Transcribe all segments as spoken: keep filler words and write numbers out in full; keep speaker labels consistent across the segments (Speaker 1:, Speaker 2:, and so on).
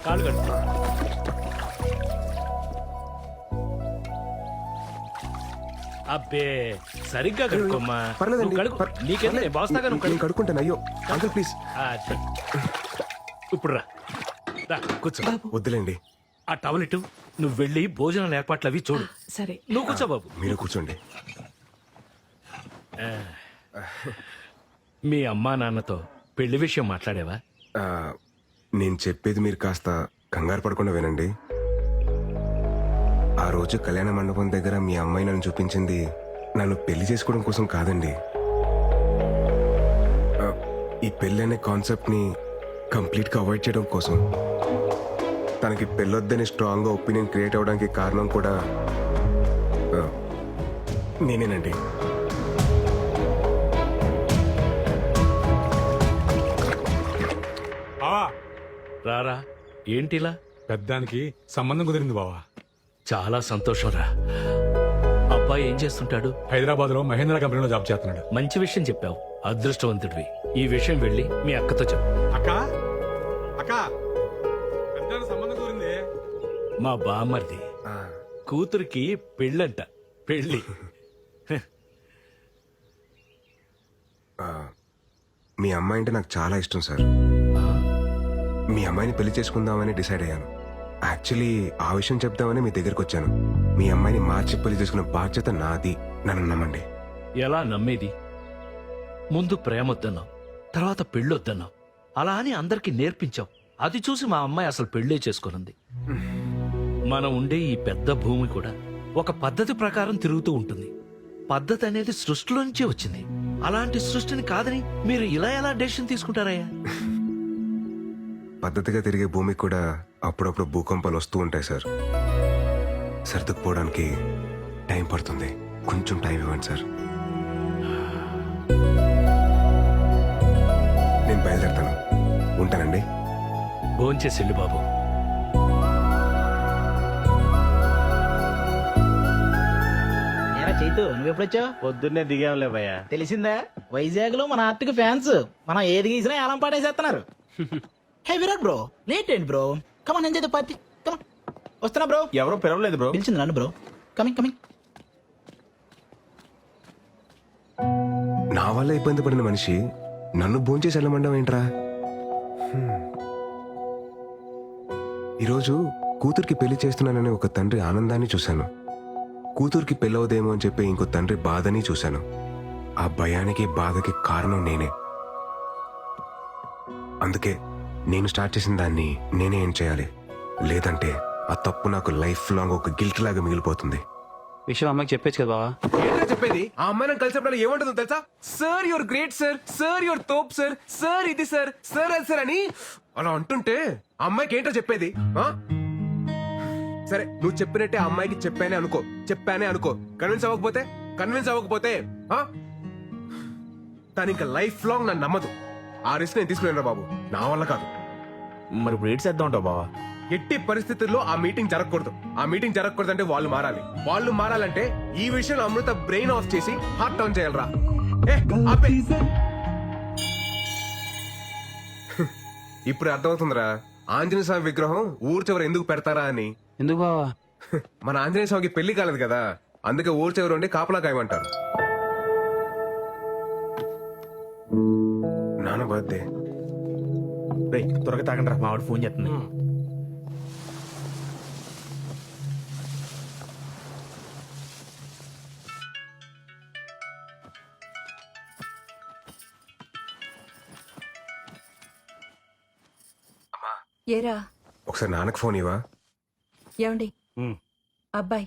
Speaker 1: కాళ్ళు కడుక్కో. అబ్బే సరిగ్గా కడుక్కోమ్మా.
Speaker 2: పర్లేదండి.
Speaker 1: నువ్వు కడుక్కో.
Speaker 2: పర్-
Speaker 1: నీకేంది
Speaker 2: పర్లేదు.
Speaker 1: నేను బాస్తాగా నువ్వు
Speaker 2: నేను
Speaker 1: కడుక్కో.
Speaker 2: కడుక్కుంటాను. అయ్యో అంకుల్ ప్లీజ్.
Speaker 1: ఆ, అది. ఇప్పుడు రా రా, కూర్చో.
Speaker 2: వద్దులేండి.
Speaker 1: ఆ టవల్ ఇటు. నువ్వు వెళ్ళి భోజనాల ఏర్పాట్లు అవి చూడు.
Speaker 3: సరే.
Speaker 1: నువ్వు కూర్చో బాబు.
Speaker 2: మీరు కూర్చోండి.
Speaker 1: మీ అమ్మా నాన్నతో పెళ్లి విషయం మాట్లాడేవా?
Speaker 2: ఆ, నేను చెప్పేది మీరు కాస్త కంగారు పడకుండా వినండి. ఆ రోజు కళ్యాణ మండపం దగ్గర మీ అమ్మాయి నన్ను చూపించింది నన్ను పెళ్లి చేసుకోవడం కోసం కాదండి. ఆ, ఈ పెళ్లి అనే కాన్సెప్ట్ ని కంప్లీట్ గా అవాయిడ్ చేయడం కోసం. తనకి పెళ్ళొద్దని స్ట్రాంగ్ గా ఒపీనియన్ క్రియేట్ అవడానికి కారణం కూడా ఆ, నేనేనండి.
Speaker 4: బావా
Speaker 1: రారా. ఏంటిలా?
Speaker 4: పెద్దానికి సంబంధం కుదిరింది బావా.
Speaker 1: చాలా సంతోషం రా. అబ్బాయి ఏం చేస్తుంటాడు?
Speaker 4: హైదరాబాద్ లో మహేంద్ర కంపెనీలో జాబ్ చేస్తున్నాడు.
Speaker 1: మంచి విషయం చెప్పావు. అదృష్టవంతుడివి. ఈ విషయం వెళ్ళి మీ అక్కతో చెప్పు.
Speaker 4: అక్క అక్క పెద్దానికి సంబంధం కుదిరింది.
Speaker 1: మా బామ్మర్ది
Speaker 2: ఆ,
Speaker 1: కూతురికి పెళ్ళంట. పెళ్ళి.
Speaker 2: ఆ, మీ అమ్మాయి అంటే నాకు చాలా ఇష్టం సార్. మీ అమ్మాయిని పెళ్లి చేసుకుందామని డిసైడ్ అయ్యాను. యాక్చువల్లీ ఆ విషయం చెప్దామని మీ దగ్గరికి వచ్చాను. మీ అమ్మాయిని మార్చి పెళ్లి చేసుకునే బాధ్యత నాది. నన్ను నమ్మండి.
Speaker 1: ఎలా నమ్మేది? ముందు ప్రేమ వద్దన్నావు, తర్వాత పెళ్ళొద్దన్నావు. అలా అని అందరికీ నేర్పించావు. అది చూసి మా అమ్మాయి అసలు పెళ్ళే చేసుకున్నది. మనం ఉండే ఈ పెద్ద భూమి కూడా ఒక పద్ధతి ప్రకారం తిరుగుతూ ఉంటుంది. పద్ధతి అనేది సృష్టిలో నుంచే వచ్చింది. అలాంటి సృష్టిని కాదని మీరు ఇలా ఎలా డెసిషన్ తీసుకుంటారయ్యా?
Speaker 2: పద్ధతిగా తిరిగే భూమికి కూడా అప్పుడప్పుడు భూకంపాలు వస్తూ ఉంటాయి సార్. సర్దుకుపోవడానికి టైం పడుతుంది. కొంచెం టైం ఇవ్వండి సార్. నేను బయలుదేరుతాను. ఉంటానండి.
Speaker 1: భోంచేసిల్లు బాబు.
Speaker 5: ఏరా చైతు నువ్వెప్పుడొచ్చావు?
Speaker 6: పొద్దున్నే దిగాంలే భయ్య.
Speaker 5: తెలిసిందా, వైజాగ్ లో మన ఆర్టిక్ ఫ్యాన్స్ మనం ఏది గీసినా ఏలం పాటేసేస్తున్నారు. హే విరాట్ బ్రో, లేట్ ఏంటి bro? Come on enjoy the party. Come on. వస్తున్నా బ్రో.
Speaker 6: ఎవరో పిలవలేదు బ్రో.
Speaker 5: పిలిచింది నన్ను బ్రో. Coming coming.
Speaker 2: నా వల్ల ఇబ్బంది పడిన మనిషి నన్ను భోంచేసి వెళ్ళమండం ఏంట్రా? హ్మ్. ఈరోజు కూతురికి పెళ్లి చేస్తున్నానని ఒక తండ్రి ఆనందాన్ని చూశాను. కూతురికి పెళ్ళవదేమో అని చెప్పి ఇంకో తండ్రి బాధని చూశాను. ఆ భయానికి బాధకి కారణం నేనే. అందుకే నేను స్టార్ట్ చేసిన దాన్ని నేనే ఏం చేయాలి. లేదంటే ఆ తప్పు నాకు లైఫ్ లాంగ్ ఒక గిల్ట్ లాగా మిగిలిపోతుంది.
Speaker 6: విషయం అమ్మకి చెప్పేచ్చు కదా బావా.
Speaker 2: ఏంటో చెప్పేది? ఆ అమ్మాయి నన్ను కలిసినప్పుడు ఏమంటుందో తెలుసా? Sir your great sir, sir your తోప్ సార్, సార్ ఇది సార్, సార్ అది సార్ అని అలా అంటుంటే ఆ అమ్మాయికి ఏంటో చెప్పేది? ఆ? సరే నువ్వు చెప్పినట్టే ఆ అమ్మాయికి చెప్పానే అనుకో, చెప్పానే అనుకో. కన్విన్స్ అవ్వకపోతే కన్విన్స్ అవ్వకపోతే ఆ? తను ఇంకా లైఫ్ లాంగ్ నన్ను నమ్మదు. ఆ రిస్క్ నేను తీసుకున్నాను బాబు. నా వల్ల కాదు.
Speaker 6: మరి ఇప్పుడు ఏడ్ చేద్దాం ఉంటావు బావా.
Speaker 2: ఎట్టి పరిస్థితుల్లో ఆ మీటింగ్ జరగకూడదు. ఆ మీటింగ్ జరగకూడదు అంటే వాళ్ళు మారాలి. వాళ్ళు మారాలంటే ఈ విషయంలో అమృత బ్రెయిన్ ఆఫ్ చేసి హార్ట్ ఆన్ చేయాలరా. ఏ, ఆపే. ఇప్పుడు అర్థమవుతుందిరా ఆంజనేయ స్వామి విగ్రహం ఊరు చివర ఎందుకు పెడతారా అని.
Speaker 6: ఎందుకు బావా?
Speaker 2: మన ఆంజనేయ స్వామికి పెళ్లి కాలేదు కదా, అందుకే ఊరు చివర ఉండి కాపలా కాయమంటారు. నాన్న బర్త్డే.
Speaker 6: రేయ్ త్వరగా తాగండి రా, మావాడు ఫోన్ చేస్తుంది.
Speaker 3: ఏరా
Speaker 2: ఒకసారి నాన్నకు ఫోన్ ఇవ్వా.
Speaker 3: ఏమండి అబ్బాయి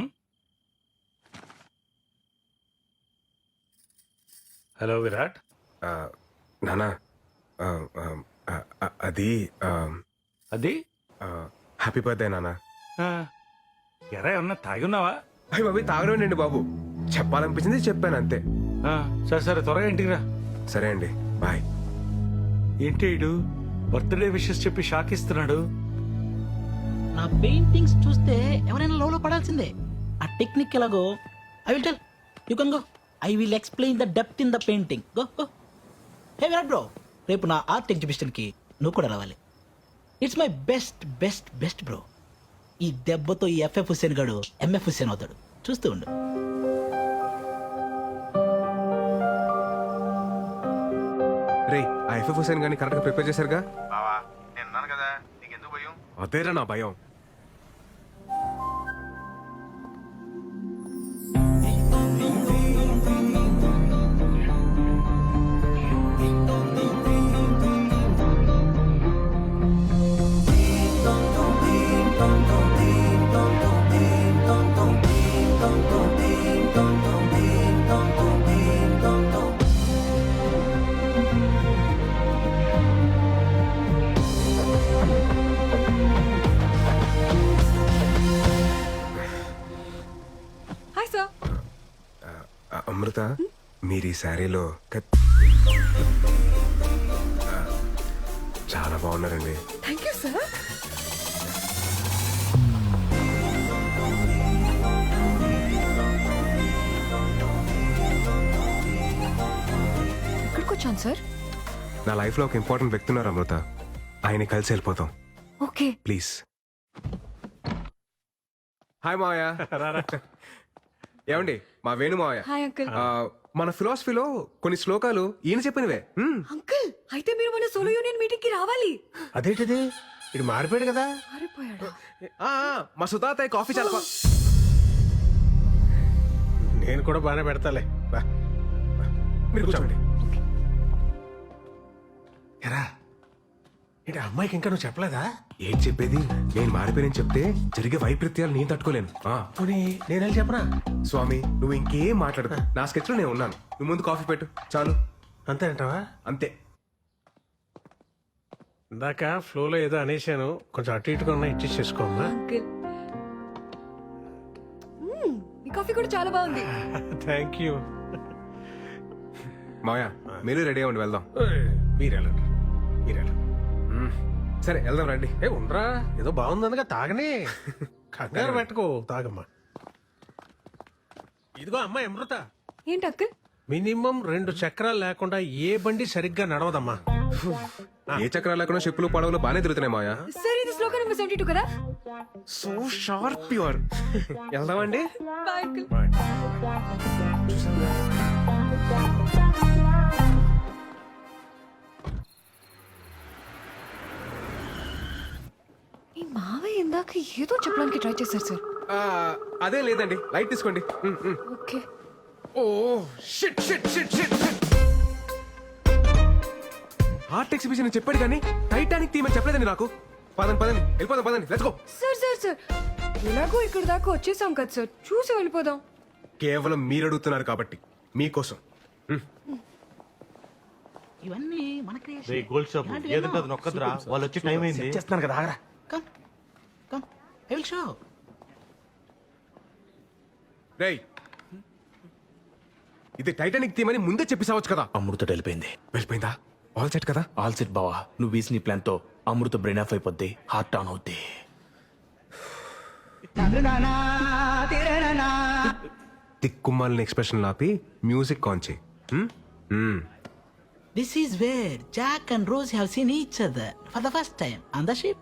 Speaker 1: హలో విరాట్.
Speaker 2: ఆ, నానా ఆ, ఆ, ఆ, ఆ, అది ఆ,
Speaker 1: అది
Speaker 2: ఆ, హ్యాపీ బర్త్డే నానా.
Speaker 1: ఎరా ఏమన్నా తాగున్నావా?
Speaker 2: అయ్యి బాబు తాగడండి బాబు, చెప్పాలనిపించింది చెప్పాను అంతే.
Speaker 1: సరే సరే త్వరగా ఇంటికి రా.
Speaker 2: సరే అండి, బాయ్.
Speaker 1: ఏంటి ఇడు బర్త్డే విషెస్ చెప్పి షాక్ ఇస్తున్నాడు?
Speaker 5: నా పెయింటింగ్స్ చూస్తే ఎవరైనా లోలో పడాల్సిందే. ఆ టెక్నిక్ ఎలాగో I will tell you can go. I will explain the depth in the painting. Go go. Hey Virat bro, రేపు నా ఆర్ట్ ఎగ్జిబిషన్ కి నువ్వు కూడా రావాలి. It's my best best best bro. ఈ దెబ్బతో ఈ ఎఫ్ఎఫ్ హుస్సేన్ గాడు ఎంఎఫ్ హుస్సేన్ అవుతాడు. చూస్తూ ఉండు.
Speaker 2: రే ఆ ఎఫ్ఎఫ్ హుసేన్ గాని కరెక్ట్ గా ప్రిపేర్ చేశారుగా?
Speaker 6: బావా నేను ఉన్నాను కదా, నీకెందుకు భయం?
Speaker 2: అదేరా నా భయం.
Speaker 3: Hi sir.
Speaker 2: ఆ, అమృత మీరు ఈ శారీలో కత్- ఆ, చాలా బాగున్నారండి.
Speaker 3: Thank you sir. ఎక్కడికి వచ్చాను సార్?
Speaker 2: నా లైఫ్ లో ఒక ఇంపార్టెంట్ వ్యక్తి ఉన్నారు అమృత, ఆయన కలిసి వెళ్ళిపోతాం
Speaker 3: ఓకే.
Speaker 2: ప్లీజ్. హాయ్ మావయ్య. ఏమండి మా వేణు మావయ్య.
Speaker 3: Hi uncle.
Speaker 2: ఆ, మన ఫిలాసఫీలో కొన్ని శ్లోకాలు ఈయన చెప్పినవే. మ్మ్.
Speaker 3: అంకుల్ అయితే మీరు మన సోలో యూనియన్ మీటింగ్ కి రావాలి.
Speaker 7: అదేంటిది ఇది మారిపోయాడు కదా.
Speaker 3: మారిపోయాడా?
Speaker 2: ఆ, ఆ, మా సుతాతయ్య కాఫీ చాలా బా-
Speaker 7: నేను కూడా బాగానే పెడతాలే. బా.
Speaker 2: మీరు కూర్చోండి.
Speaker 7: ఎరా ఏంటి అమ్మాయికి ఇంకా నువ్వు చెప్పలేదా?
Speaker 2: ఏం చెప్పేది, నేను మారిపోయానని చెప్తే జరిగే వైపరీత్యాలు నేను తట్టుకోలేను. ఆ,
Speaker 7: పోనీ నేను వెళ్ళి చెప్పనా?
Speaker 2: స్వామి నువ్వు ఇంకేం మాట్లాడదు, నా స్కెచ్ లో నేను ఉన్నాను. నువ్వు ముందు కాఫీ పెట్టు చాలు.
Speaker 7: అంతే అంటావా?
Speaker 2: అంతే.
Speaker 7: ఇందాక ఫ్లోలో ఏదో అనేశాను, కొంచెం అటు ఇటుగా ఉన్నా ఇచ్చి చేసుకోమ్మా.
Speaker 3: అంకుల్ మ్మ్, ఈ కాఫీ కూడా చాలా బాగుంది.
Speaker 7: Thank you.
Speaker 2: మాయా మీరు రెడీ అవ్వండి, వెళ్దాం.
Speaker 7: మీరు వెళ్ళండి మీరు వెళ్ళండి.
Speaker 2: మ్మ్. సరే వెళ్దాం రండి.
Speaker 7: ఏ ఉండరా, ఏదో బాగుందనగా తాగనే. కంగారు పెట్టుకో, తాగమ్మా. ఇదిగో అమ్మాయి అమృత,
Speaker 3: ఏంటి అంకుల్?
Speaker 7: మినిమం రెండు చక్రాలు లేకుండా ఏ బండి సరిగ్గా నడవదమ్మా.
Speaker 2: ఏ చక్రాలు లేకుండా చెప్పులు పడవలు బాగానే తిరుగుతున్నాయి మాయా.
Speaker 3: సార్ ఇది శ్లోక నెంబర్ సెవెంటీ టూ కదా?
Speaker 2: So sharp your. వెళ్దామండి.
Speaker 3: Bye uncle. ఈ మావయ్య ఇందాక ఏదో చెప్పడానికి ట్రై చేశారు సార్.
Speaker 2: ఆ, అదే లేదండి, లైట్ తీసుకోండి. మ్మ్, మ్మ్.
Speaker 3: Okay.
Speaker 2: Oh shit shit shit shit. Art exhibition చెప్పాడు కానీ టైటానిక్ థీమ్ అని చెప్పలేదండి నాకు. పదండి పదండి వెళ్ళిపోదాం, పదండి let's go.
Speaker 3: Sir sir sir ఎలాగో ఇక్కడ దాకా వచ్చేసాం కదా సార్, చూసి వెళ్ళిపోదాం.
Speaker 2: కేవలం మీరు అడుగుతున్నారు కాబట్టి మీకోసం.
Speaker 5: ఇవన్నీ మన
Speaker 6: రే గోల్డ్ షాప్ ఏదంటే అది నొక్కదురా, వాళ్ళు వచ్చి టైం అయింది.
Speaker 5: చేస్తున్నాను కదా, ఆగరా. Come come I will show.
Speaker 2: రేయ్ ఇది టైటానిక్ థీమ్ అని ముందే చెప్పేసావచ్చు కదా.
Speaker 6: అమృత వెళ్ళిపోయింది.
Speaker 2: వెళ్ళిపోయిందా? ఆల్ సెట్ కదా?
Speaker 6: ఆల్ సెట్ బావా, నువ్వు వేసిన ప్లాన్ తో అమృత బ్రెయిన్ ఆఫ్ అయిపోద్ది, హార్ట్ ఆన్ అవుద్ది.
Speaker 2: తిక్కుమాలిన ఎక్స్ప్రెషన్ లాపి మ్యూజిక్ ఆన్ చేయి. హ్మ్? హ్మ్.
Speaker 5: This is where Jack and Rose have seen each other for the first time on the ship.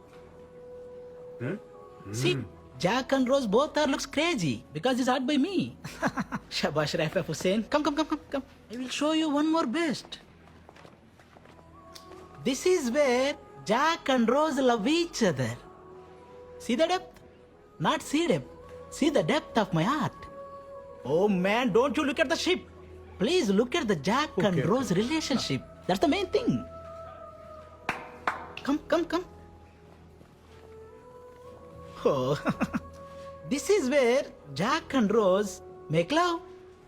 Speaker 5: See, Jack and Rose both are looks crazy because it's art by me. Shabash Raif Hussain. Come, come, come, come, come. I will show you one more best. This is where Jack and Rose love each other. See the depth? Not see depth. See the depth of my art. Oh man, don't you look at the ship. Please look at the Jack and Rose relationship. That's the main thing. Come, come, come. Oh, this is where Jack and Rose make love.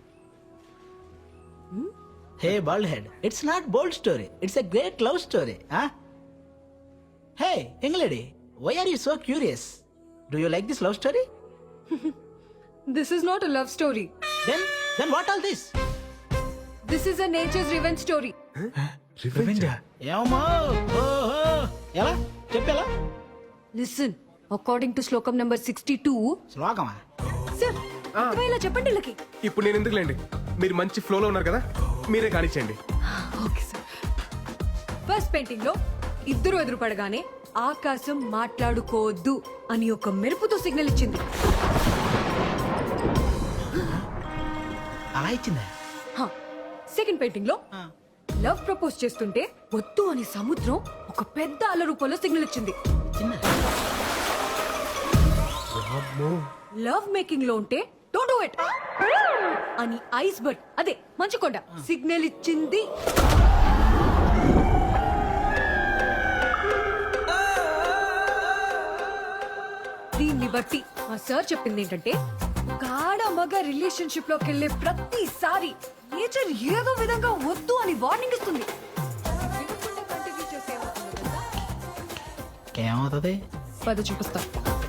Speaker 5: Hmm? Hey, bald head. It's not bold story. It's a great love story, huh? Hey, young lady, why are you so curious? Do you like this love story?
Speaker 3: This is not a love story.
Speaker 5: Then, then what all this?
Speaker 3: This is a nature's revenge story.
Speaker 5: ఏమో ఓహో ఎలా చెప్పేలా
Speaker 3: listen, according to shlokam number sixty two.
Speaker 5: శ్లోకమా?
Speaker 3: Sir ఇలా చెప్పండి వీళ్ళకి.
Speaker 2: ఇప్పుడు నేను ఎందుకులేండి, మీరు మంచి ఫ్లోలో ఉన్నారు కదా, మీరే కానిచ్చేయండి.
Speaker 3: Okay sir. ఫస్ట్ పెయింటింగ్ లో ఇద్దరు ఎదురు పడగానే ఆకాశం మాట్లాడుకోవద్దు అని ఒక మెరుపుతో సిగ్నల్ ఇచ్చింది.
Speaker 5: అలా ఇచ్చిందా?
Speaker 3: సెకండ్ పెయింటింగ్ లో
Speaker 5: ఆ.
Speaker 3: లవ్ ప్రపోజ్ చేస్తుంటే వద్దు అని సముద్రం ఒక పెద్ద అల రూపంలో సిగ్నల్ ఇచ్చింది.
Speaker 5: ఇచ్చిందా?
Speaker 3: లవ్ మేకింగ్ లో ఉంటే డోంట్ డూ ఇట్ అని ఐస్ బర్డ్ అదే మంచుకొండ సిగ్నల్ ఇచ్చింది. దీన్ని బట్టి మా సార్ చెప్పింది ఏంటంటే గాఢ మగ రిలేషన్షిప్ లోకి వెళ్ళే ప్రతిసారి నేచర్ ఏదో విధంగా వద్దు అని వార్నింగ్ ఇస్తుంది. వినకుండా continue చేస్తే ఏమవుతుందో తెలుసా?
Speaker 5: ఏమవుతుంది?
Speaker 3: పద చూపిస్తా.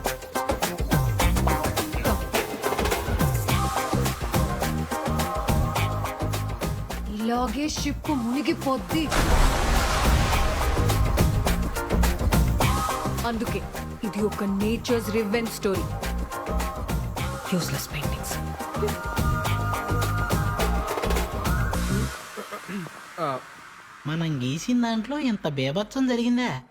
Speaker 3: ఇలాగే షిప్ మునిగిపోద్ది. అందుకే ఇది ఒక nature's revenge story. Useless paintings.
Speaker 5: మనం గీసిన దాంట్లో ఇంత బేభత్సం జరిగిందా?